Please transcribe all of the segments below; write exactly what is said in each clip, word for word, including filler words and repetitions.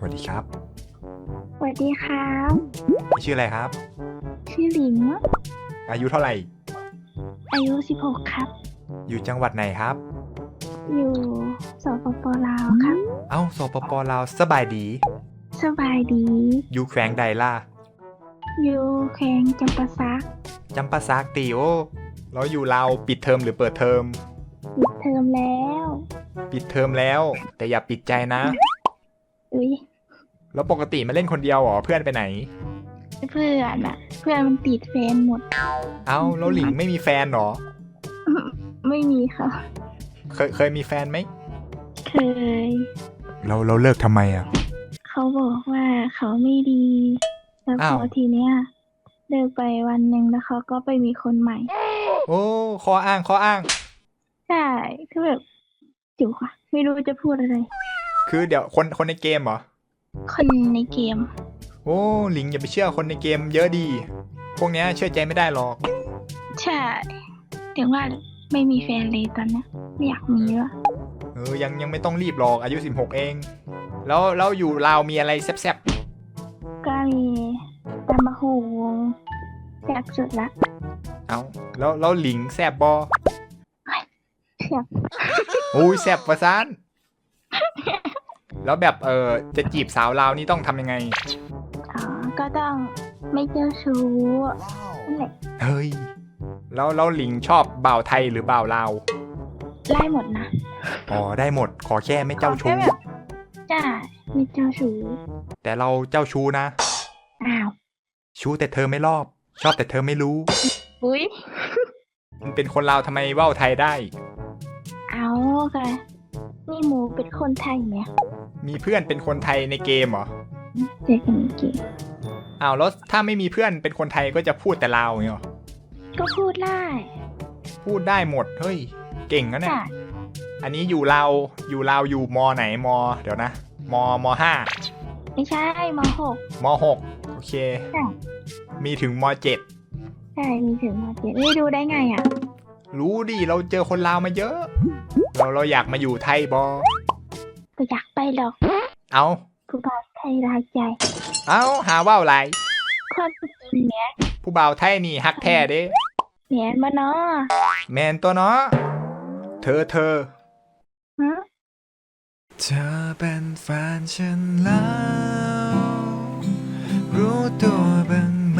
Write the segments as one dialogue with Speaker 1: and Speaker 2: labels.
Speaker 1: วัสดีครับ
Speaker 2: สวัสดีครับ
Speaker 1: ชื่ออะไรครับ
Speaker 2: ชื่อหลิง
Speaker 1: อายุเท่าไหร่
Speaker 2: อายุสิบหกครับ
Speaker 1: อยู่จังหวัดไหนครับ
Speaker 2: อยู่สปปลาวครับ
Speaker 1: เอ้าสปปลาวสบายดี
Speaker 2: สบายดี
Speaker 1: อยู่แขวงใดล่ะ
Speaker 2: อยู่แขวงจำปาสัก
Speaker 1: จำปาสักตีโอเราอยู่ลาวปิดเทอมหรือเปิดเทอม
Speaker 2: ปิดเทอมแล้ว
Speaker 1: ปิดเทอมแล้วแต่อย่าปิดใจนะ
Speaker 2: อุ้ย
Speaker 1: แล้วปกติมาเล่นคนเดียวเหรอเพื่อนไปไหน
Speaker 2: เพื่อนอะเพื่อนมันติดแฟนหมด
Speaker 1: เอ้าแล้วหลิงไม่มีแฟนเหรอ
Speaker 2: ไม่มีค่ะ
Speaker 1: เคยเคยมีแฟนไหม
Speaker 2: เคย
Speaker 1: เราเราเลิกทำไมอ่ะ
Speaker 2: เขาบอกว่าเขาไม่ดีแล้วพอทีเนี้ยเลิกไปวันหนึ่งแล้วเขาก็ไปมีคนใหม่
Speaker 1: โอ้ข้ออ้างข้ออ้าง
Speaker 2: ใช่คือแบบจิ๋วค่ะไม่รู้จะพูดอะไร
Speaker 1: คือเดี๋ยวคนคนในเกมเหรอ
Speaker 2: คนในเกม
Speaker 1: โอ้หลิงอย่าไปเชื่อคนในเกมเยอะดีพวกนี้เชื่อใจไม่ได้หรอก
Speaker 2: ใช่ถึงว่าไม่มีแฟนเลยตอนนี้ไม่อยากมีแล้ว
Speaker 1: เออยังยังไม่ต้องรีบหรอกอายุสิบหกเองแล้วแล้วอยู่ลาวมีอะไรแซ่บ
Speaker 2: ๆก็มีตำมะฮูแซ่บสุดละ
Speaker 1: เอาแล้วแล้วหลิงแซ่บบอ
Speaker 2: แซ่บ
Speaker 1: โอ้ยแซ่บประสานแล้วแบบเออจะจีบสาวลาวนี่ต้องทำยังไง
Speaker 2: อ๋อก็ต้องไม่เจ้าชู้นั่นแหละ
Speaker 1: เฮ้ยแล้วแล้วหลิงชอบบ่าวไทยหรือบ่าวลาว
Speaker 2: ได้หมดนะ
Speaker 1: อ๋อได้หมดขอแค่ไม่เจ้าชู้
Speaker 2: ใช่ไม่เจ้าชู้
Speaker 1: แต่เราเจ้าชู้นะ
Speaker 2: อ้าว
Speaker 1: ชู้แต่เธอไม่รอบชอบแต่เธอไม่รู้
Speaker 2: อุ้ย
Speaker 1: มันเป็นคนลาวทำไมว่าวไทยได้
Speaker 2: เอาค่ะนี่หมูเป็นคนไทยไหม
Speaker 1: มีเพื่อนเป็นคนไทยในเกมเหรอ
Speaker 2: เจ๊กันในเกม
Speaker 1: อ้าวแล้วถ้าไม่มีเพื่อนเป็นคนไทยก็จะพูดแต่ลาวอย่างเงี้ย
Speaker 2: ก็พูดได้
Speaker 1: พูดได้หมดเฮ้ยเก่งนะเนี่ยอันนี้อยู่ลาวอยู่ลาวอยู่มไหนมเดี๋ยวนะมมห้า
Speaker 2: ไม่ใช่มหก
Speaker 1: มหกโอเคมีถึงมเจ็ด
Speaker 2: ใช่มีถึงมเจ็ดนี่ดูได้ไงอ่ะ
Speaker 1: รู้ดิเราเจอคนลาวมาเยอะเราเราอยากมาอยู่ไทยบอ
Speaker 2: ก็อยากไปหรอก
Speaker 1: เอา
Speaker 2: ผู้บ่าวไทยรายใจ
Speaker 1: เอาหาว่าวไร
Speaker 2: ความจริงเนี้ย
Speaker 1: ผู้บ่าวไทยนี่ฮักแท้เด้
Speaker 2: แมนมาเนาะ
Speaker 1: แมนตัวเนาะเธอเธอ
Speaker 2: ฮะ
Speaker 1: เธอเป็นแฟนฉันแล้วรู้ตัวบ้างไหม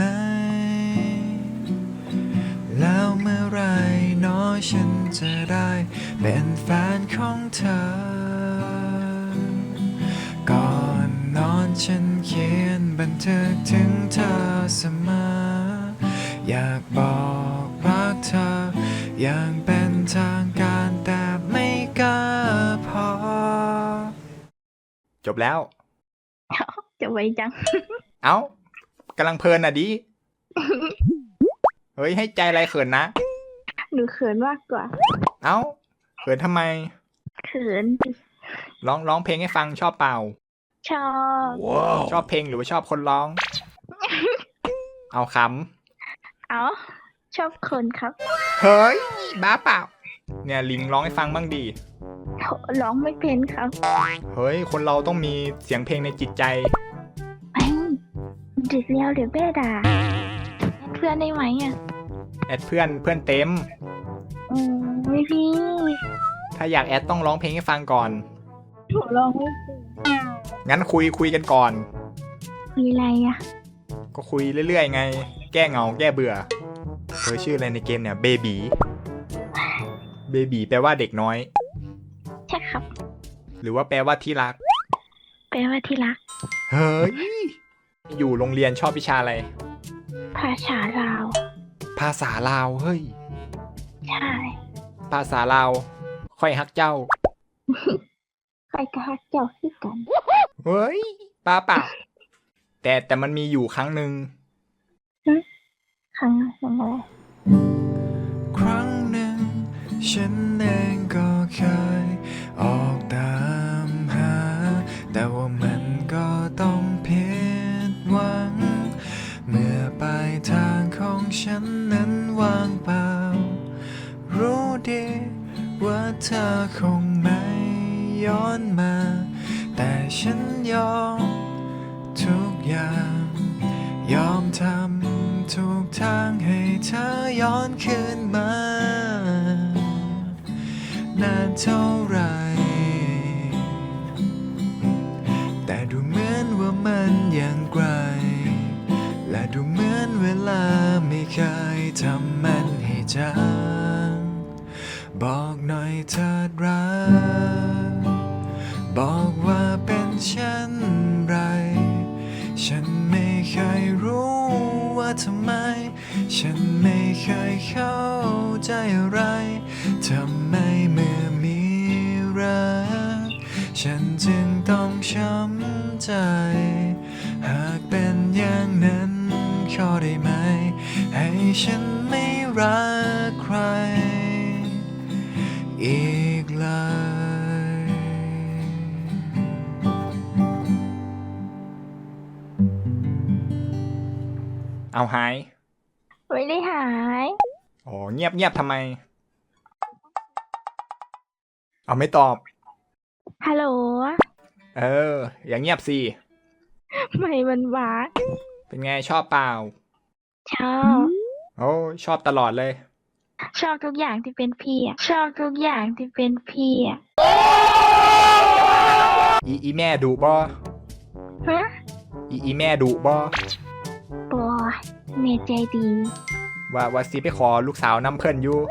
Speaker 1: แล้วเมื่อไรน้อยฉันจะได้เป็นแฟนของเธอก่อนนอนฉันเขียนบันทึกถึงเธอเสมออยากบอกรักเธออย่างเป็นทางการแต่ไม่กล้าพอจบแล้ว
Speaker 2: จะไวจัง
Speaker 1: เอ้ากำลังเพลินอ่ะดิเฮ้ยให้ใจอะไรเขินนะ
Speaker 2: หนูเขินมากกว่า
Speaker 1: เอ้าเขินทำไม
Speaker 2: เขิน
Speaker 1: ร้องร้องเพลงให้ฟังชอบเปล่า
Speaker 2: ชอบ
Speaker 1: wow. ชอบเพลงหรือว่าชอบคนร้อง เอาค
Speaker 2: ำเอาชอบคนครับ
Speaker 1: เฮ้ยบ้าเปล่าเนี่ยลิงร้องให้ฟังบ้างดี
Speaker 2: ร้องไม่เป็นครับ
Speaker 1: เฮ้ยคนเราต้องมีเสียงเพลงในจิตใจ
Speaker 2: ไม่จิตเดียวเดี๋ยวแม่ด่าเพื่อนได้ไหมอ่ะ
Speaker 1: แอดเพื่อนเพื่อนเต็ม
Speaker 2: อืมไม่พี่
Speaker 1: ถ้าอยากแอดต้องร้องเพลงให้ฟังก่อน
Speaker 2: ผมร้องไม่เป็น
Speaker 1: งั้นคุยคุยกันก่อน
Speaker 2: คุยอะไรอ่ะ
Speaker 1: ก็คุยเรื่อยๆไงแก้เหงาแก้เบื่อเธอชื่ออะไรในเกมเนี่ยเบบีเบบีแปลว่าเด็กน้อย
Speaker 2: ใช่ครับ
Speaker 1: หรือว่าแปลว่าที่รัก
Speaker 2: แปลว่าที่รัก
Speaker 1: เฮ้ยอยู่โรงเรียนชอบวิชาอะไร
Speaker 2: ภาษาลาว
Speaker 1: ภาษาลาวเฮ้ย
Speaker 2: ใช่
Speaker 1: ภาษาลาวค่อยฮักเจ้า
Speaker 2: ใครก็ฮักเจ้าคือกัน
Speaker 1: เฮ้ยป้าเปล่าแต่แต่มันมีอยู่ครั้งหนึ่ง
Speaker 2: ครั้งอะไร
Speaker 1: ครั้งหนึ่งฉันเองก็เคยออกตามหาแต่ว่ามันก็ต้องผิดหวังเมื่อปลายทางของฉันนั้นว่างเปล่ารู้ดีว่าเธอคงไม่ย้อนมาแต่ฉันยอมยอมทำทุกทางให้เธอย้อนคืนมานานเท่าไหรแต่ดูเหมือนว่ามันยังไกลและดูเหมือนเวลาไม่เคยทำมันให้จางบอกหน่อยเถิดรักบอกว่าเป็นเช่นไรฉันไม่เคยรู้ว่าทำไมฉันไม่เคยเข้าใจอะไรทำไมเมื่อมีรักฉันจึงต้องช้ำใจหากเป็นอย่างนั้นขอได้ไหมให้ฉันไม่รักใครอีกเลยเอาหาย
Speaker 2: ไม่ได้หาย
Speaker 1: โอ้เงียบเงียบทำไมเอาไม่ตอบ
Speaker 2: ฮัลโหล
Speaker 1: เอออย่างเงียบสิ
Speaker 2: ไม่มันหวา
Speaker 1: เป็นไงชอบเปล่า
Speaker 2: ชอบ
Speaker 1: โอ้ชอบตลอดเลย
Speaker 2: ชอบทุกอย่างที่เป็นพี่อ่ะชอบทุกอย่างที่เป็นพี่อ่ะ
Speaker 1: อีอีแม่ดุบ่
Speaker 2: ฮะ
Speaker 1: อีอีแม่ดุบ่
Speaker 2: บอแม่ใจดี
Speaker 1: ว่าว่าสิไปขอลูกสาวน้ำเพิ่นอยู่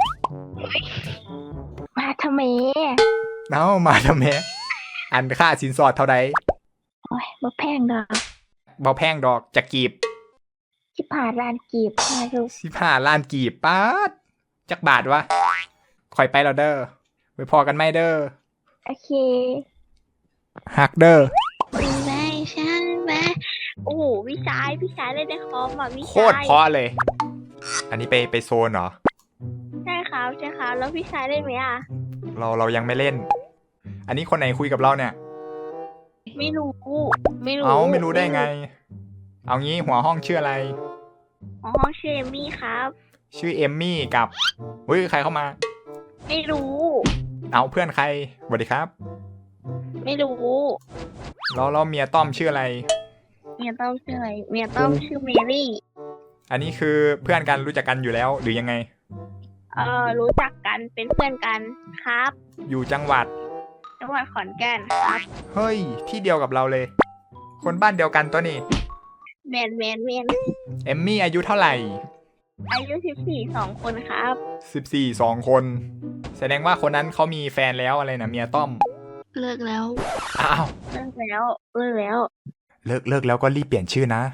Speaker 2: มาทำไม
Speaker 1: เอ้ามาทำไมอันค่าสินสอดเท่าใด
Speaker 2: โอ้ยบ่แพงดอก
Speaker 1: บ่แพงดอกจะกีบ
Speaker 2: สิบห้าล้านกีบมาลูก
Speaker 1: สิบห้าล้านกีบป๊าดจักบาทวะคอยไปแล้วเด้อไว้พอกันไหมเด้อ
Speaker 2: โอเค
Speaker 1: ฮักเด้อ
Speaker 2: ไม่ใช่ไหมโอ้โหพี่ชายพี่ชายเล่นในคอมอ่ะพี่ชาย
Speaker 1: โคตรเพราะเลยอันนี้ไปไปโซนเหรอ
Speaker 2: ใช่ครับใช่ครับแล้วพี่ชายเล่นไหมอ่ะ
Speaker 1: เราเรายังไม่เล่นอันนี้คนไหนคุยกับเราเนี่ย
Speaker 2: ไม่รู้ไม่รู้
Speaker 1: เอาไม่รู้ได้ไงเอางี้หัวห้องชื่ออะไร
Speaker 2: หัวห้องชื่อเอมมี่ครับ
Speaker 1: ชื่อเอมมี่กับเฮ้ยใครเข้ามา
Speaker 2: ไม่รู้
Speaker 1: เอาเพื่อนใครสวัสดีครับ
Speaker 2: ไม่รู้
Speaker 1: แล้วเราเมียต้อมชื่ออะไร
Speaker 2: เมียต้อมชื่ออะไรเมียต้อมชื่อเมรี่
Speaker 1: อันนี้คือเพื่อนกันรู้จักกันอยู่แล้วหรือยังไง
Speaker 2: เออรู้จักกันเป็นเพื่อนกันครับ
Speaker 1: อยู่จังหวัด
Speaker 2: จังหวัดขอนแก่นครับ
Speaker 1: เฮ้ยที่เดียวกับเราเลยคนบ้านเดียวกันตัวนี้
Speaker 2: แมนแมนแมน
Speaker 1: เอมมี่อายุเท่าไหร่
Speaker 2: อายุสิบสี่สองคนครับ
Speaker 1: สิบสี่สองคนแสดงว่าคนนั้นเขามีแฟนแล้วอะไรนะเมียต้อม
Speaker 2: เลิกแล้ว
Speaker 1: อ้าว
Speaker 2: เลิกแล้วเลิกแล้ว
Speaker 1: เลิกเลิกแล้วก็รีบเปลี่ยนชื่อนะ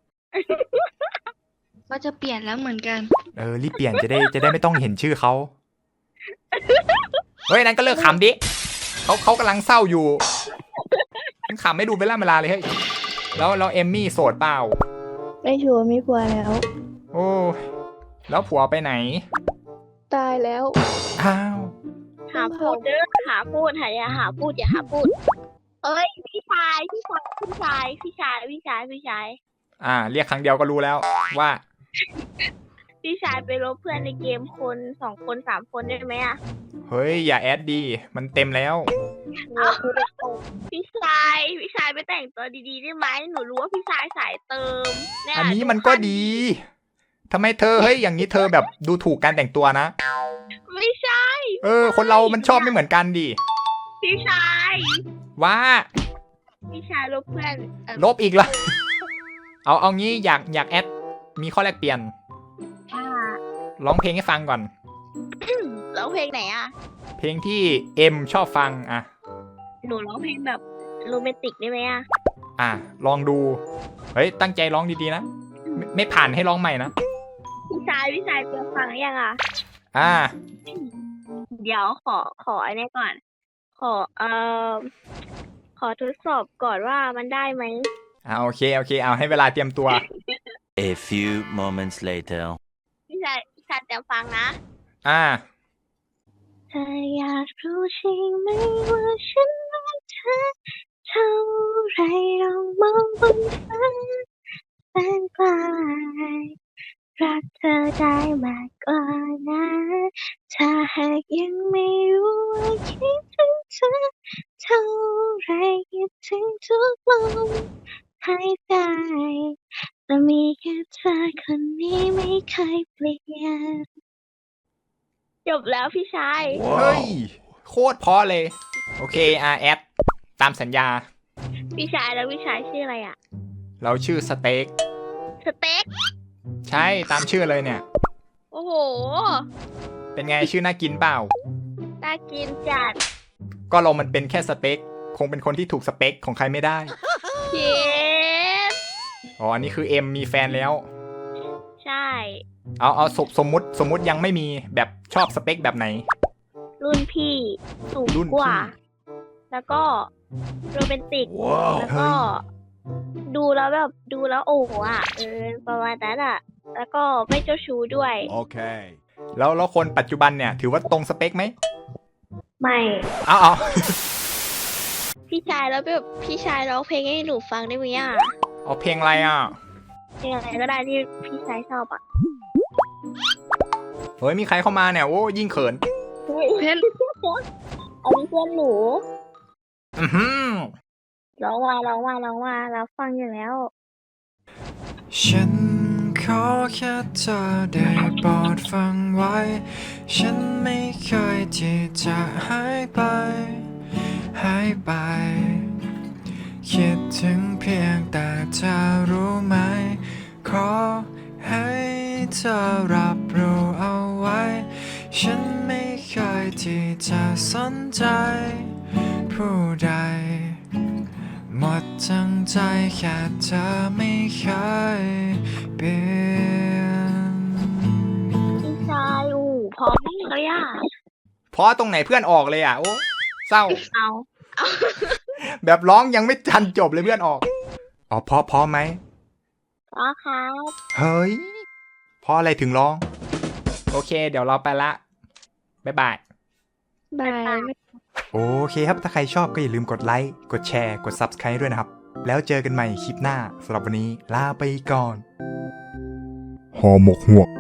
Speaker 2: ก็จะเปลี่ยนแล้วเหมือนกัน
Speaker 1: เออรีบเปลี่ยนจะได้จะได้ไม่ต้องเห็นชื่อเขาเฮ้ยนั้นก็เลิกขำดิเขาเขากำลังเศร้าอยู่ขำไม่ดูเวลาเวลาเลยเฮ้ยแล้วแล้วเอมมี่โสดเปล่า
Speaker 2: ไม่ชัวร์ไม่ผัวแล้ว
Speaker 1: โอ้แล้วผัวไปไหน
Speaker 2: ตายแล้ว
Speaker 1: อ้าว
Speaker 2: หาพูดเด้อหาพูดหาอย่าหาพูดอย่าหาพูดเอ้ยพี่ชายพี่ชายพี่ชายพี่ชายพี่ชายพี่ชาย
Speaker 1: อ่าเรียกครั้งเดียวก็รู้แล้วว่า
Speaker 2: พี่ชายไปลบเพื่อนในเกมคนสองคนสามคนได้ไหมอ่ะ
Speaker 1: เฮ้ยอย่าแอดดีมันเต็มแล้ว
Speaker 2: พี่ชายพี่ชายไปแต่งตัวดีๆได้ไหมหนูรู้ว่าพี่ชายสายเติม
Speaker 1: อันนี้มันก็ดีทำไมเธอเฮ้ยอย่างนี้เธอแบบดูถูกการแต่งตัวนะ
Speaker 2: ไม่ใช่
Speaker 1: เออคนเรามันชอบไม่เหมือนกันดิ
Speaker 2: พี่ชาย
Speaker 1: ว่า
Speaker 2: พี่ชายลบเพื่อน
Speaker 1: ลบอีกละเอาเอางี้อยากอยากแอดมีข้อแลกเปลี่ยนร้องเพลงให้ฟังก่อน
Speaker 2: ร้องเพลงไหนอ่ะ
Speaker 1: เพลงที่เอ็มชอบฟังอ่ะ
Speaker 2: หนูร้องเพลงแบบโรแมนติกได้ไหมอ่ะ
Speaker 1: อ่ะลองดูเฮ้ยตั้งใจร้องดีๆนะไม่ไม่ผ่านให้ร้องใหม่นะ
Speaker 2: พี่ชายพี่ชายเตรียมฟังยังอ่ะ
Speaker 1: อ่า
Speaker 2: เดี๋ยวขอขอไอ้นี่ก่อนขอเอ่อขอทดสอบก่อนว่ามันได้ไหม
Speaker 1: อ่าโอเคโอเคเอาให้เวลาเตรียมตัว
Speaker 3: A few moments later
Speaker 2: พี่ชายพี่ชายเตรียมฟังนะ
Speaker 1: อ่า
Speaker 2: เธออยากรู้ใช่ไหมว่าฉันรักเธอเท่าไรลองมองบนฟ้าแสนไกลรักเธอได้มากกว่านั้นถ้าหากยังไม่รู้ว่าคิดถึงเธอเท่าไรคิดถึงทุกลมหายใจแต่มีแค่เธอคนนี้ไม่เคยเปลี่ยนจบแล้วพี่ชาย
Speaker 4: เฮ้ย โคตรเพอเลย โอเคอาแอดตามสัญญา
Speaker 2: พี่ชายแล้วพี่ชายชื่ออะไรอ่ะ
Speaker 4: เราชื่อสเต็ก
Speaker 2: สเต็ก
Speaker 4: ใช่ตามชื่อเลยเนี่ย
Speaker 2: โอ้โห
Speaker 4: เป็นไงชื่อน่ากินเปล่า
Speaker 2: น่ากินจัด
Speaker 4: ก็เรามันเป็นแค่สเต็กคงเป็นคนที่ถูกสเปคของใครไม่ได้
Speaker 2: เย็ด
Speaker 4: อ๋ออันนี้คือเอ็มมีแฟนแล้ว
Speaker 2: ใช่
Speaker 4: เอาเอาสมสมมุติสมมุติยังไม่มีแบบชอบสเปคแบบไหน
Speaker 2: รุ่นพี่สูง
Speaker 4: รุ่น
Speaker 2: กว่า
Speaker 4: พี่
Speaker 2: แล้วก็โรแมนติก แล้วก็
Speaker 4: เฮ้ย
Speaker 2: ดูแล้วแบบดูแล้วโอ้โหอ่ะเออประมาณนั้นอ่ะ แล้วก็ไม่เจ้าชู้ด้วย
Speaker 1: Okay.
Speaker 4: แล้วแล้วคนปัจจุบันเนี่ยถือว่าตรงสเปคไหม
Speaker 2: ไม่
Speaker 4: เอาเอา
Speaker 2: พี่ชายแล้วแบบพี่ชายร้องเพลงให้หนูฟังได้ไหมอ่ะ
Speaker 4: เอาเพลงอะไรอ่ะ
Speaker 2: เพลงอะไรก็ได้ที่พี่ชายชอบอ่ะ
Speaker 4: เฮ้ยมีใครเข้ามาเนี่ยโอ้ยิ่งเขิน
Speaker 2: เพื่อนอันนี้เพื่อนหนู
Speaker 4: อือหือ
Speaker 2: ร้องว่าร้องว่าร้องว่าเราฟังอยู่แล้ว
Speaker 1: ฉันขอแค่เธอได้โปรดฟังไว้ ฉันไม่เคยที่จะหายไป หายไป คิดถึงเพียงแต่เธอรู้ไหม ขอให้เธอรับรู้เอาไว้ ฉันไม่เคยที่จะสนใจ ผู้ใด หมดทั้งใจแค่เธอไม่เคยเปลี่ยน
Speaker 2: พี่ชายอู๋พร้อมมากเลยอ่ะ
Speaker 4: เพราะตรงไหนเพื่อนออกเลยอ่ะโอ้เศร้า
Speaker 2: เอา
Speaker 4: แบบร้องยังไม่ทันจบเลยเพื่อนออกอ๋อเพราะเพราะไหม
Speaker 2: พร้อมครับ
Speaker 4: เฮ้ยเพราะอะไรถึงร้อง โอเค เดี๋ยวเราไปละบ๊ายบาย
Speaker 2: บาย
Speaker 4: โอเคครับ ถ้าใครชอบก็อย่าลืมกดไลค์ กดแชร์ กด ซับสไครบ์ ด้วยนะครับ แล้วเจอกันใหม่คลิปหน้าสำหรับวันนี้ลาไปก่อน
Speaker 1: ห่อหมกหวก